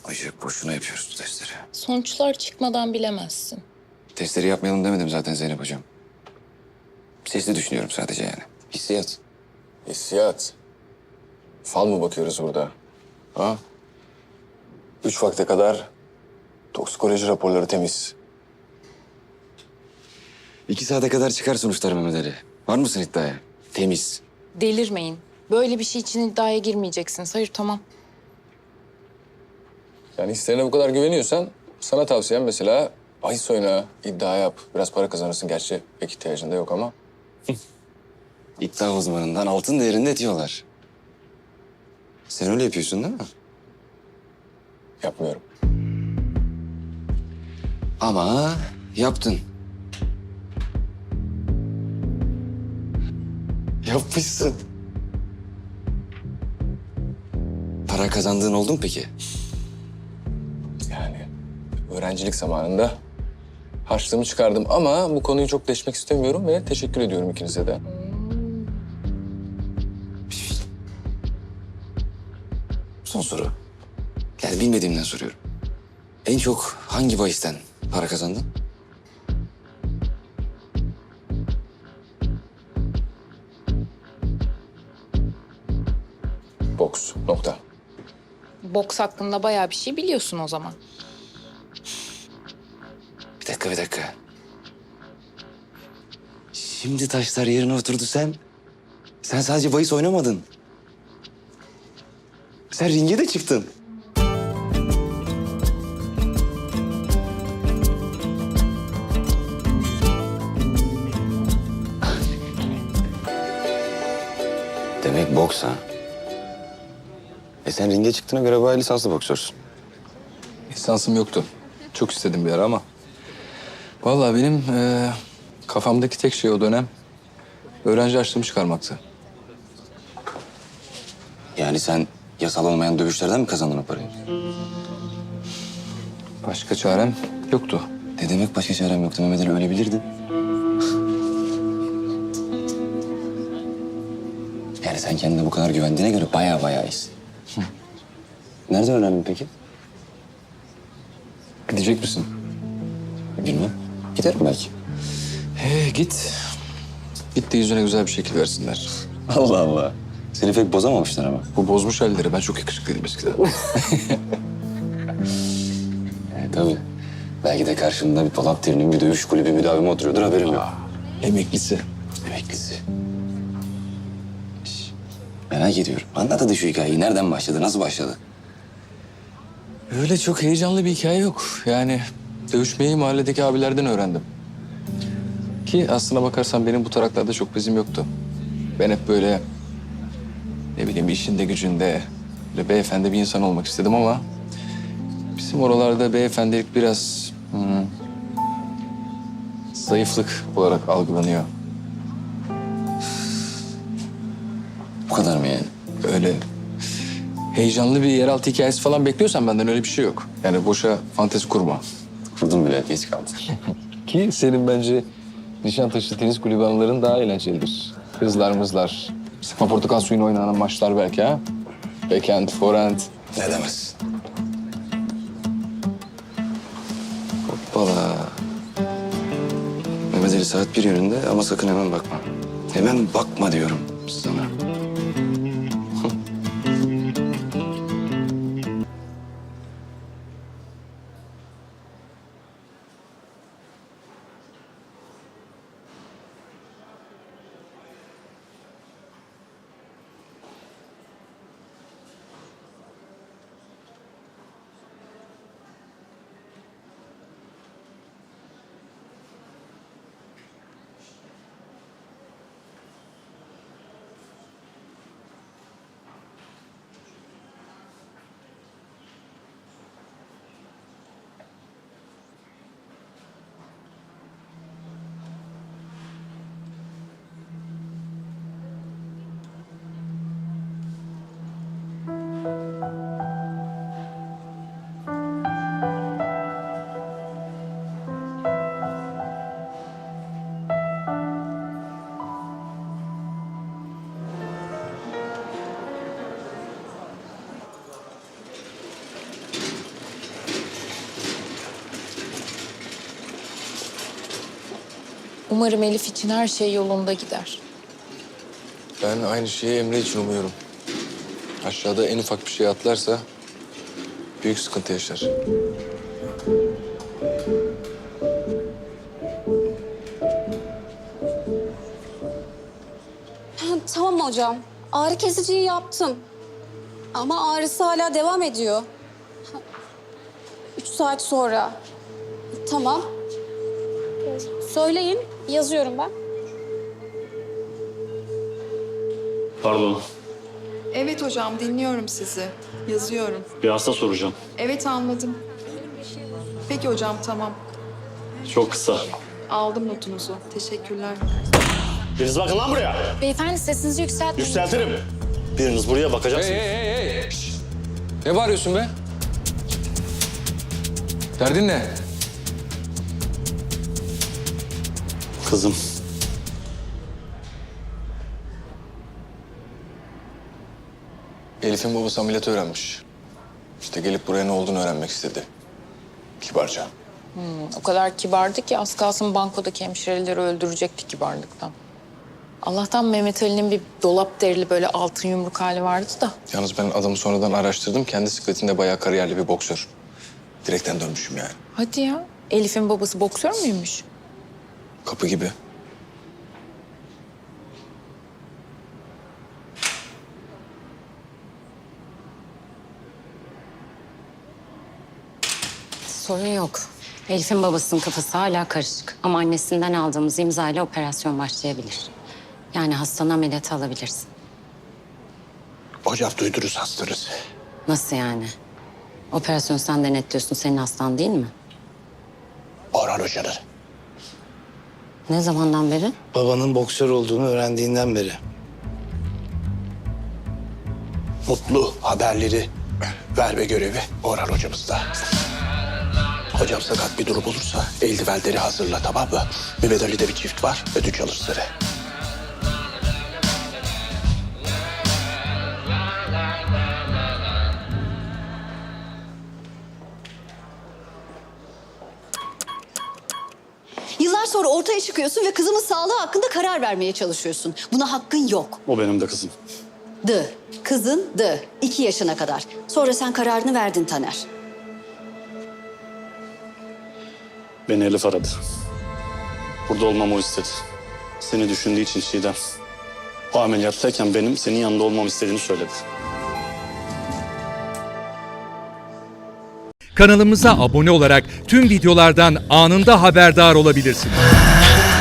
Ayşe boşuna yapıyoruz bu testleri. Sonuçlar çıkmadan bilemezsin. Testleri yapmayalım demedim zaten Zeynep hocam. Sesli düşünüyorum sadece yani. Hissiyat. Hissiyat. Fal mı bakıyoruz burada? Ha? 3 vakte kadar toksikoloji raporları temiz. 2 saate kadar çıkar sonuçlar Mehmet Ali. Var mısın iddiaya? Temiz. Delirmeyin. Böyle bir şey için iddiaya girmeyeceksiniz. Hayır, tamam. Yani hislerine bu kadar güveniyorsan sana tavsiyem mesela bahis oyna, iddia yap. Biraz para kazanırsın gerçi pek ihtiyacın da yok ama. İddia uzmanından altın değerinde diyorlar. Sen öyle yapıyorsun değil mi? Yapmıyorum. Ama yaptın. Yapmışsın. Para kazandığın oldu mu peki? Yani öğrencilik zamanında harçlığımı çıkardım ama bu konuyu çok deşmek istemiyorum ve teşekkür ediyorum ikinize de. Son soru. Yani bilmediğimden soruyorum. En çok hangi bahisten para kazandın? Boks. Nokta. Boks hakkında bayağı bir şey biliyorsun o zaman. Bir dakika. Şimdi taşlar yerine oturdu sen. Sen sadece bahis oynamadın. Sen ringe de çıktın. Demek boks ha? Sen ringe çıktığına göre bayağı lisanslı boksörsün. Lisansım yoktu. Çok istedim bir ara ama. Vallahi benim kafamdaki tek şey o dönem öğrenci harçlığımı çıkarmaktı. Yani sen yasal olmayan dövüşlerden mi kazandın o parayı? Başka çarem yoktu. Ne demek başka çarem yoktu Mehmet Ali, öyle bilirdin. Yani sen kendine bu kadar güvendiğine göre bayağı iyisin. Nereden öğrendin peki? Gidecek misin? Bilmem. Giderim belki. Git. Git de yüzüne güzel bir şekil versinler. Allah Allah. Seni pek bozamamışlar ama. Bu bozmuş halleri. Ben çok yakışıklıydım eskiden. Tabii. Belki de karşımda bir Polat Derin'in bir dövüş kulübü müdavimi oturuyordur, haberim yok. Emeklisi. Emeklisi. Şş, merak ediyorum. Anlat hadi şu hikayeyi. Nereden başladı, nasıl başladı? Öyle çok heyecanlı bir hikaye yok. Yani dövüşmeyi mahalledeki abilerden öğrendim. Ki aslına bakarsan benim bu taraklarda çok bezim yoktu. Ben hep böyle ne bileyim işinde gücünde böyle beyefendi bir insan olmak istedim ama bizim oralarda beyefendilik biraz zayıflık olarak algılanıyor. Bu kadar mı yani? Öyle heyecanlı bir yeraltı hikayesi falan bekliyorsan benden öyle bir şey yok. Yani boşa fantezi kurma. Kurdum bile, geç kaldı. Ki senin bence Nişantaşı tenis kulübü anıların daha eğlencelidir. Kızlar mızlar, sıkma portakal suyunu oynanan maçlar belki ha. Backhand, forehand. Ne demez? Hoppala. Mehmet Ali saat 1 yönünde ama sakın hemen bakma. Hemen bakma diyorum sana. Umarım Elif için her şey yolunda gider. Ben aynı şeyi Emre için umuyorum. Aşağıda en ufak bir şey atlarsa büyük sıkıntı yaşar. Tamam hocam. Ağrı kesiciyi yaptım. Ama ağrısı hala devam ediyor. 3 saat sonra. Tamam. Söyleyin, yazıyorum ben. Pardon, Evet hocam, dinliyorum sizi. Yazıyorum. bir hasta soracağım. Evet, anladım. Peki hocam, tamam. Çok kısa. Aldım notunuzu. Teşekkürler. Biriniz bakın lan buraya. Beyefendi sesinizi yükseltmeyin. Yükseltirim. Biriniz buraya bakacaksınız. Hey! Şşt! Ne bağırıyorsun be? Derdin ne? Kızım, Elif'in babası ameliyat öğrenmiş. İşte gelip buraya ne olduğunu öğrenmek istedi. Kibarca. O kadar kibardı ki az kalsın bankodaki hemşireleri öldürecekti kibarlıktan. Allah'tan Mehmet Ali'nin bir dolap derili böyle altın yumruk hali vardı da. Yalnız ben adamı sonradan araştırdım. Kendi sikletinde bayağı kariyerli bir boksör. Direkten dönmüşüm yani. Hadi ya. Elif'in babası boksör müymüş? Kapı gibi. Sorun yok. Elif'in babasının kafası hala karışık. Ama annesinden aldığımız imzayla operasyon başlayabilir. Yani hastanı ameliyata alabilirsin. Hocam duydunuz hastanız. Nasıl yani? Operasyon sen denetliyorsun, senin hastan değil mi? Orhan Hoca'nın. Ne zamandan beri? Babanın boksör olduğunu öğrendiğinden beri. Mutlu haberleri verme görevi Orhan Hocamızda. Hocam sakat bir durum olursa eldivenleri hazırla, tamam mı? Mehmet Ali'de bir çift var, ödünç alır seni. Yıllar sonra ortaya çıkıyorsun ve kızımın sağlığı hakkında karar vermeye çalışıyorsun. Buna hakkın yok. o benim de kızım. Kızın 2 yaşına kadar. Sonra sen kararını verdin Taner. Beni Elif aradı. Burada olmamı o istedi. Seni düşündüğü için Çiğdem. O ameliyattayken benim senin yanında olmamı istediğini söyledi. Kanalımıza abone olarak tüm videolardan anında haberdar olabilirsiniz.